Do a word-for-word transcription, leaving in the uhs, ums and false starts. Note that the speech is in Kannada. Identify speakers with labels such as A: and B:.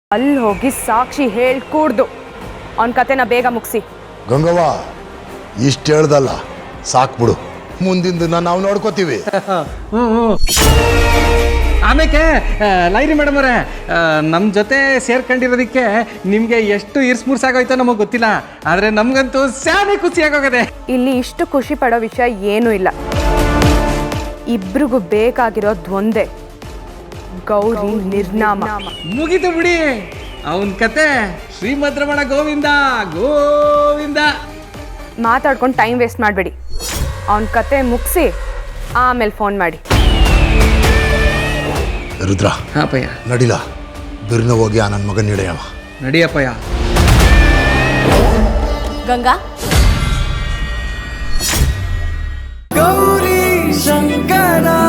A: ಅಲ್ಲಿ ಹೋಗಿ ಸಾಕ್ಷಿ ಹೇಳ್ಕೂಡ್ದು ಅವನ ಕತೆನ ಬೇಗ ಮುಗಿಸಿ.
B: ಗಂಗವ್ವ ಇಷ್ಟು ಹೇಳ್ದಲ್ಲ ಸಾಕ್ಬಿಡು, ಮುಂದಿನ ನಾವು ನೋಡ್ಕೋತೀವಿ.
C: ಆಮೇಲೆ ಲೈರಿ ಮೇಡಮ್ ಅವರೇ, ನಮ್ಮ ಜೊತೆ ಸೇರ್ಕೊಂಡಿರೋದಕ್ಕೆ ನಿಮಗೆ ಎಷ್ಟು ಇರ್ಸ್ಮುರ್ಸಾಗೋಯ್ತೋ ನಮಗೆ ಗೊತ್ತಿಲ್ಲ, ಆದರೆ ನಮಗಂತೂ ಸ್ಯಾನೆ ಖುಷಿಯಾಗೋಗದೆ.
A: ಇಲ್ಲಿ ಇಷ್ಟು ಖುಷಿ ಪಡೋ ವಿಷಯ ಏನೂ ಇಲ್ಲ. ಇಬ್ರಿಗೂ ಬೇಕಾಗಿರೋದು ಒಂದೇ, ಗೌರಿ ನಿರ್ನಾಮ.
C: ಮುಗಿತು ಬಿಡಿ ಅವನ ಕತೆ. ಶ್ರೀಮದ್ ರಮಣ ಗೋವಿಂದ ಗೋವಿಂದ.
A: ಮಾತಾಡ್ಕೊಂಡು ಟೈಮ್ ವೇಸ್ಟ್ ಮಾಡಬೇಡಿ. ಅವನ ಕತೆ ಮುಗಿಸಿ ಆಮೇಲೆ ಫೋನ್ ಮಾಡಿ.
B: ರುದ್ರ,
C: ಹಾಪಯ್ಯ
B: ನಡಿಲ ಬಿರ್ನ ಹೋಗಿ ಆ ನನ್ನ ಮಗನ ಹಿಡಿಯವ.
C: ನಡಿಯಪ್ಪಯ್ಯ.
A: ಗಂಗಾ,
D: ಗೌರಿ ಶಂಕರ